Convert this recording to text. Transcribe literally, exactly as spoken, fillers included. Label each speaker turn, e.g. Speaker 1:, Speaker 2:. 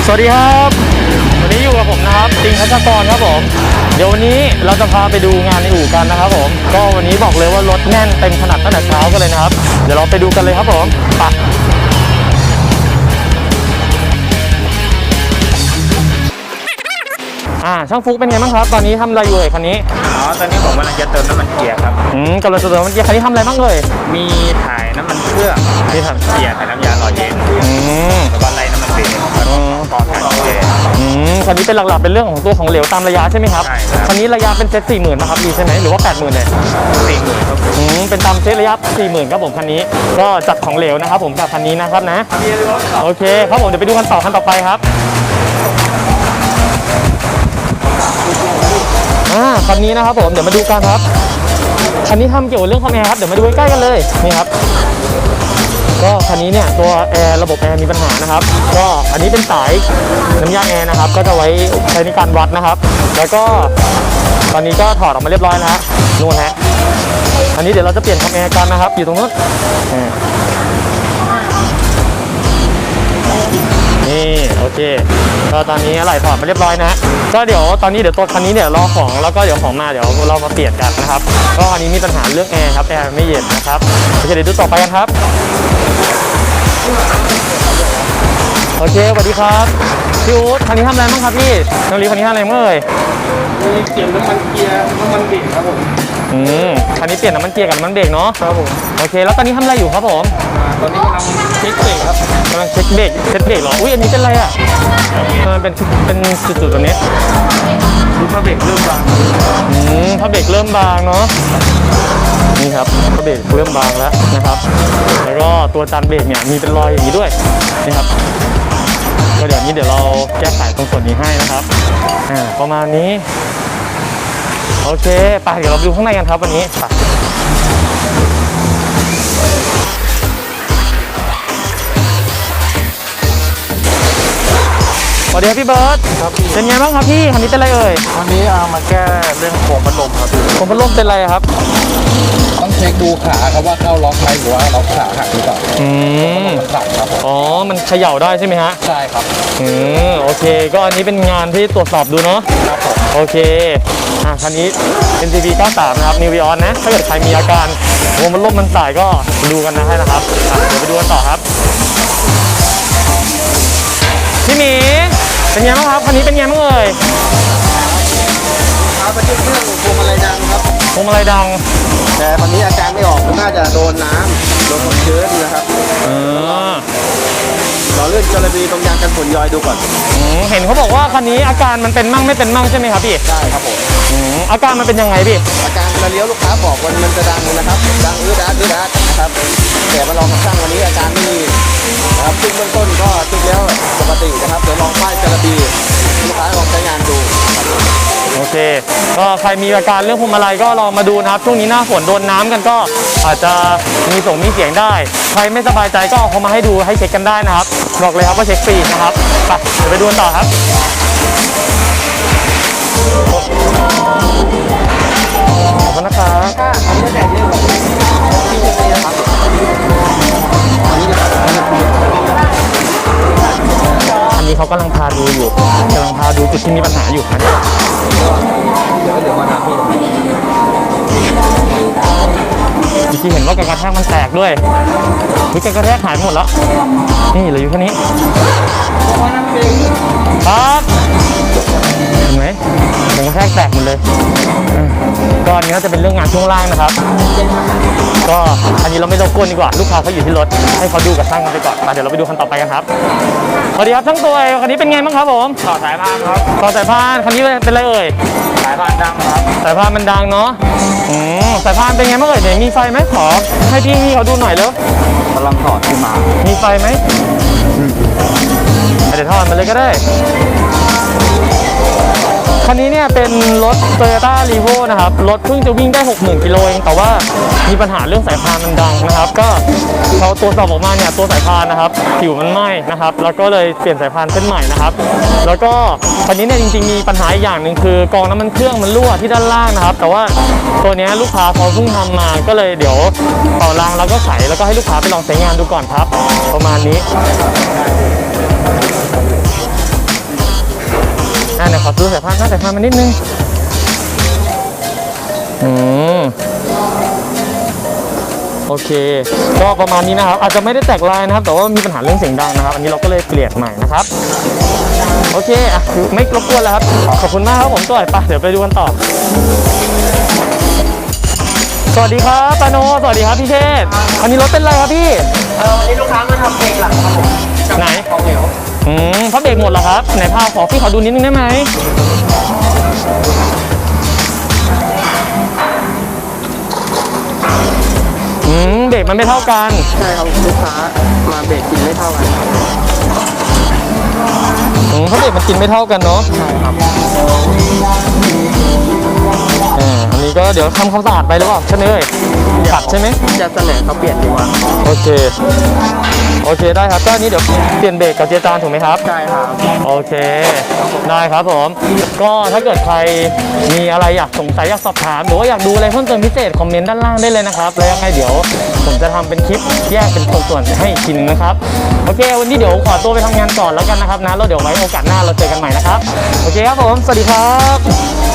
Speaker 1: สวัสดีครับวันนี้อยู่กับผมนะครับติงทัชกรครับผมเดี๋ยววันนี้เราจะพาไปดูงานในอู่กันนะครับผมก็วันนี้บอกเลยว่ารถแน่นเต็มขนาดตั้งแต่เช้ากันเลยนะครับเดี๋ยวเราไปดูกันเลยครับผมไปอ่าช่างฟุกเป็นไงบ้างครับตอนนี้ทำอะไรอยู่เอ่ยคันนี้
Speaker 2: อ๋อตอนนี้ผมกำลังจะเติมน้ำมันเกียร์ครับ
Speaker 1: อืมกำลังจะเติมน้ำมันเกียร์คันนี้ทำอะไรบ้างเลย
Speaker 2: มีถ่ายน้ำมันเครื่อง
Speaker 1: ที่ทำ
Speaker 2: เกียร์ถ่ายน้ำยาหล่อเย็น
Speaker 1: อืม
Speaker 2: แล้วก็ไล่น้ำมันเบรกแล้วก็ต่อถ่ายเกียร์
Speaker 1: อืมคันนี้เป็นหลักๆเป็นเรื่องของตัวของเหลวตามระยะใช่ไหมครับ
Speaker 2: ใช่ครับ
Speaker 1: คันนี้ระยะเป็นเซตสี่หมื่นนะครับดีใช่ไหมหรือว่าแปดหมื่นเลย
Speaker 2: สี่หมื่นครับ
Speaker 1: อืมเป็นตามเซตระยะสี่หมื่นครับผมคันนี้ก็จัดของเหลวนะครับผมกับคันนี้นะครับนะโอเคครับผมเดี๋ยวไปดูกันต่อคันต่อไปครับอ่าคันนี้นะครับผมเดี๋ยวมาดูกันครับคันนี้ทำเกี่ยวกับเรื่องคอมแอร์ครับเดี๋ยวมาดูใกล้ๆกันเลยนี่ครับก็คันนี้เนี่ยตัวแอร์ระบบแอร์มีปัญหานะครับก็อันนี้เป็นสายน้ำยาแอร์นะครับก็จะไว้ใช้ในการวัดนะครับแล้วก็ตอนนี้ก็ถอดออกมาเรียบร้อยแล้วฮะนู่นฮะอันนี้เดี๋ยวเราจะเปลี่ยนคอมแอร์กันนะครับอยู่ตรงนู้นนี่โอเคก็ตอนนี้อะไรถอดมาเรียบร้อยนะก็เดี๋ยวตอนนี้เดี๋ยวตัวคันนี้เนี่ยรอของแล้วก็เดี๋ยวของมาเดี๋ยวเรามาเปลี่ยนกันนะครับก็อันนี้มีปัญหาเรื่องแอร์ครับแอร์ไม่เย็นนะครับโอเคเดี๋ยวดูต่อไปกันครับโอเคสวัสดีครับพี่อู๊ดคันนี้ทำอะไรบ้างครับพี่น้องลีคันนี้ทำอะไรบ้างเอ่ย
Speaker 2: มีเปลี่ยนน้ำมันเกียร์น้ำมันเบรกครับผม
Speaker 1: อืมคันนี้เปลี่ยนน้ำมันเกียร์กับน้ำมันเบรกเนาะ
Speaker 2: ครับผม
Speaker 1: โอเคแล้วตอนนี้ทำอะไรอยู่ครับผม
Speaker 2: ตอนนี้กำลังเช็คเบรกครับ
Speaker 1: กำลังเช็คเบรกเช็คเบรกเหรออุ้ยอันนี้เป็นอะไรอ่ะมันเป็นเป็นจุดๆตัวนี้
Speaker 2: ดูผ้าเบรกเริ่มบาง
Speaker 1: อืมผ้าเบรกเริ่มบางเนาะนี่ครับผ้าเบรกเริ่มบางแล้วนะครับแล้วก็ตัวจานเบรกเนี่ยมีเป็นรอยอย่างนี้ด้วยนี่ครับก็เดี๋ยวนี้เดี๋ยวเราแก้ไขตรงส่วนนี้ให้นะครับอ่าประมาณนี้โอเคไปเดี๋ยวเราไปดูข้างในกันครับวันนี้ไปสวัสดีครับพี่เบิร์ตครับเป็นไงบ้างครับพี่คันนี้เป็นอะไรเอ่ย
Speaker 2: วันนี้เอามาแก้เรื่องโครงพัดลมครับ
Speaker 1: โครงพัดลมเป็นอะไรครับ
Speaker 2: ต้องเช็คดูขาครับว่าเข้าล็อกไหมหรือว่าล็อกขาหักหรือเปล่า
Speaker 1: อืม
Speaker 2: ขาดครับ
Speaker 1: อ๋อมันเขย่าได้ใช่ไหมฮะ
Speaker 2: ใช่ครับ
Speaker 1: อืมโอเคก็อันนี้เป็นงานที่ตรวจสอบดูเนาะ
Speaker 2: ครับผม
Speaker 1: โอเคอ่ะคันนี้ เอ็น ซี บี เก้าสิบสามนะครับ New Vios นะถ้าเกิดใครมีอาการโครงพัดลมมันสายก็ดูกันนะให้นะครับเดี๋ยวไปดูกันต่อครับพี่หมีเป็นไงบ้างครับคันนี้เป็นไงบ้างเอ่ย
Speaker 2: เอาไปเช็คเครื่องพวงมาลัยดังครับ
Speaker 1: พวงมาลัยดัง
Speaker 2: แต่ตอนนี้อาการไม่ออกน่าจะโดนน้ำโดนความชื้นนะครับ
Speaker 1: อือ
Speaker 2: เราเลื่อนกระบี่ตรงยางกันฝนย้อยดูก่อน
Speaker 1: อืมเห็นเขาบอกว่าคันนี้อาการมันเป็นมั่งไม่เป็นมั่งใช่ไหมครับพี่
Speaker 2: ใช่ครับผม
Speaker 1: อืมอาการมันเป็นยังไงพี่
Speaker 2: อาการเวลาเลี้ยวลูกค้าบอกวันมันจะดังนะครับดังอื้อดาดอื้อดาดนะครับแต่มาลองกับช่างวันนี้อาการไม่มีนะครับซึ่งเบื้องต้นก็จริงแล้วปกตินะครับเดี๋ยวลองป้ายกระบี่ลูกค้าลองใช้งานดู
Speaker 1: โอเคก็ใครมีอาการเรื่องพวงมาลัยก็ลองมาดูนะครับช่วงนี้หน้าฝนโดนน้ำกันก็อาจจะมีส่งมีเสียงได้ใครไม่สบายใจก็เอาเขามาให้ดูให้เช็คกันได้นะครับบอกเลยครับว่าเช็คฟรีนะครับไปเดี๋ยวไปดูกันต่อครับขอบคุณนะครับอันนี้เขากำลังพาดูอยู่กำลังพาดูจุดที่มีปัญหาอยู่นะ
Speaker 2: เดี๋ยวเดี๋ยวมาถามพี่
Speaker 1: เมื่อกี้เห็นว่าการกระแทกมันแตกด้วยวิการกระแทกหายหมดแล้วนี่เหลืออยู่แค่นี้ครับเห็นไหมการกระแทกแตกหมดเลยก็อันนี้น่าจะเป็นเรื่องงานช่วงล่างนะครับก็อันนี้เราไม่ต้องกวนดีกว่าลูกค้าเขาอยู่ที่รถให้เขาดูกับช่างกันไปก่อนมาเดี๋ยวเราไปดูคันต่อไปกันครับสวัสดีครับช่างตัวคันนี้เป็นไงบ้างครับผม
Speaker 2: ต่อสายพานครับ
Speaker 1: ต่อสายพานคันนี้เป็นอะไรเอ่ย
Speaker 2: สายพานดังครับ
Speaker 1: สายพานมันดังเนาะอืมสายพานเป็นไงบ้างเอ่ยเดี๋ยวมีไฟไหมขอให้พี่พี่เขาดูหน่อยแล้ว
Speaker 2: กำลังถอดขึ้นมา
Speaker 1: มีไฟไหมเดี๋ยวถอดมาเลยก็ได้คันนี้เนี่ยเป็นรถ Toyota Revo นะครับรถเพิ่งจะวิ่งได้ หกหมื่น กิโลเองแต่ว่ามีปัญหาเรื่องสายพานมันดังนะครับก็เขาตรวจสอบออกมาเนี่ยตัวสายพานนะครับผิวมันไหม้นะครับแล้วก็เลยเปลี่ยนสายพานเส้นใหม่นะครับแล้วก็คันนี้เนี่ยจริงๆมีปัญหาอีกอย่างหนึ่งคือกองน้ำมันเครื่องมันรั่วที่ด้านล่างนะครับแต่ว่าตัวนี้ลูกค้าเขาเพิ่งทำมาก็เลยเดี๋ยวเป่ารางแล้วก็ใส่แล้วก็ให้ลูกค้าไปลองใช้งานดูก่อนครับประมาณนี้อ่าเดี๋ยวขอดูสายพานหน้าสายพานมานิดนึงอืมโอเคก็ประมาณนี้นะครับอาจจะไม่ได้แตกลายนะครับแต่ว่ามีปัญหาเรื่องเสียงดังนะครับอันนี้เราก็เลยเปลี่ยนใหม่นะครับโอเคอ่ะไม่รบกวนแล้วครับขอบคุณมากครับผมตัวไหนปะเดี๋ยวไปดูกันต่อสวัสดีครับปาโนสวัสดีครับพี่เชษอันนี้รถเป็นไรครับพี่
Speaker 3: เออวันนี้ลูกค้ามาทำเบรกหลังครับผม
Speaker 1: ไหน
Speaker 3: ของเหลว
Speaker 1: อืมพระเบรกหมดเหรอครับไหนพาขอพี่ขอดูนิดนึงได้ไหมอืมเบรกมันไม่เท่ากัน
Speaker 3: ใช่ครับลูกค้ามาเบรกกินไม่เท่ากันครับ
Speaker 1: อืมพระเบรกมันกินไม่เท่ากันเนาะ
Speaker 3: ใช่ครับ
Speaker 1: อ่าอันนี้ก็เดี๋ยวทำความสะอาดไปหรือเปล่าใช่ไหมเอ่ยขัดใช่ไหม
Speaker 3: จะเสนอเขาเปลี่ยนดีกว่า
Speaker 1: โอเคโอเคได้ครับก็อันนี้เดี๋ยวเปลี่ยนเบรกกับเจยร์จานถูกไหมครับ
Speaker 3: ใช่ครับ
Speaker 1: โอเคได้ครับผมก็ถ้าเกิดใครมีอะไรอยากสงสัยอยากสอบถามหรือว่าอยากดูอะไรเพิ่มเติมพิเศษคอมเมนต์ด้านล่างได้เลยนะครับแล้วยังไงเดี๋ยวผมจะทำเป็นคลิปแยกเป็นส่วนๆให้อีกทีหนึงนะครับโอเควันนี้เดี๋ยวขอตัวไปทำงานก่อนแล้วกันนะครับนะแล้วเดี๋ยวไว้โอกาสหน้าเราเจอกันใหม่นะครับโอเคครับผมสวัสดีครับ